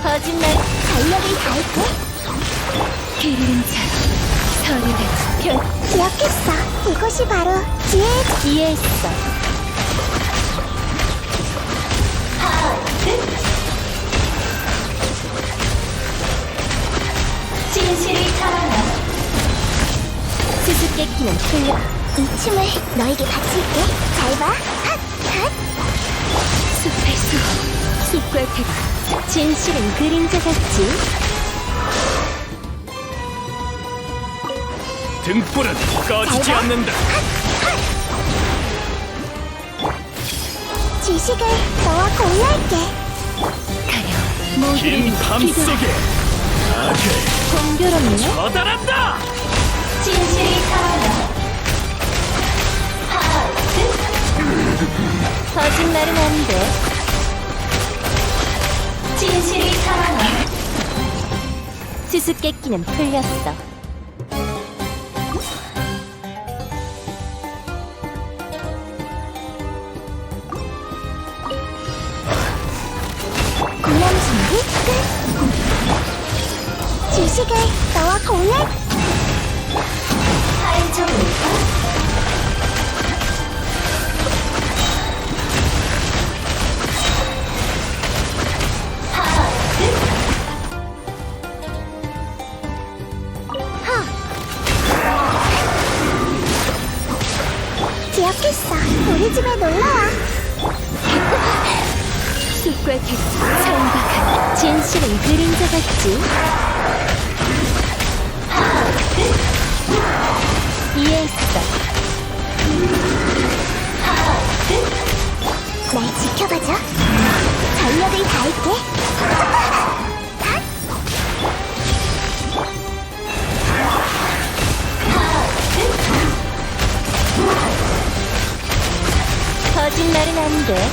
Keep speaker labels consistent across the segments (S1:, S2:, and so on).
S1: 거짓말 달력을 달고 그림자로 서리를 편
S2: 기억했어. 이곳이 바로 지혜의
S1: 이해했어. 진실이 살아나. 수수께끼는 풀려.
S2: 이 춤을 너에게 바칠게. 잘 봐. 핫! 핫!
S1: 숲의 수, 숲과 태가 진실은 그림자 같지.
S3: 등불은 꺼지지 않는다.
S2: 지식을 너와 공유할게.
S1: 가려 모두를
S3: 긴 밤
S1: 기도하라.
S3: 속에 악을
S1: 공교롭네.
S3: 처단한다.
S1: 진실이 살아나. 거짓말은 안 돼. 진실이 살아나. 수수께끼는 풀렸어.
S2: 공연 준비 끝. 지식을 너와 공유할
S1: 알죠.
S2: 기억했어. 우리 집에 놀러와.
S1: 숲과 태가 선박한 진실은 그림자 같지. 이해했어.
S2: 날 지켜봐줘. 전력을 다할게. 핫!
S1: 거짓말은 안 돼.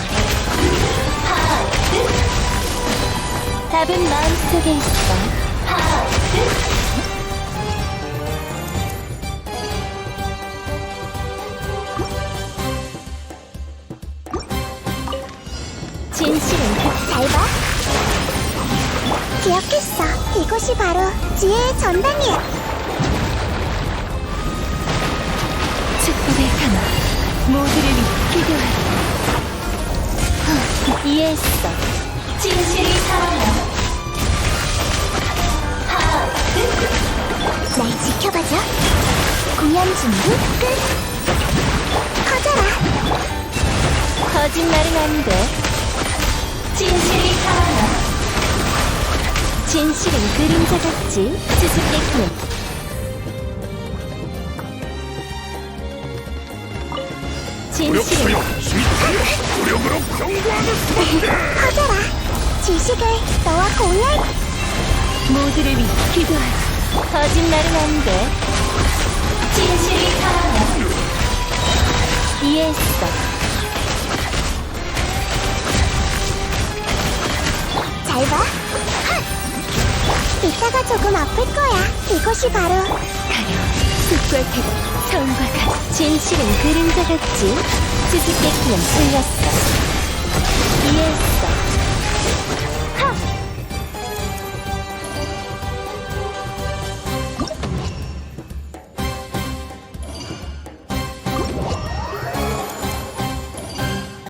S1: 답은 마음속에 있어. 진실은
S2: 잘 봐. 기억했어. 이곳이 바로 지혜의 전당이야.
S1: 축복의 하나 모두를 기도하라. 이해했어. 진실이 살아나.
S2: 날 지켜봐줘. 공연 준비 끝. 커져라.
S1: 거짓말은 안 돼. 진실이 살아나. 진실은 그림자 같지. 수수께끼는 진실은
S3: 무력으로 경고하는 수밖에.
S2: 커져라. 지식을 너와 공유할
S1: 모두를 위해 기도하라. 거짓말은 안 돼. 진실이 살아나. 이해했어.
S2: 잘 봐. 핫! 이따가 조금 아플 거야. 이곳이 바로
S1: 가려 숲과 태가 성과 같 진실은 그림자 같지. 수수께끼는 풀렸어.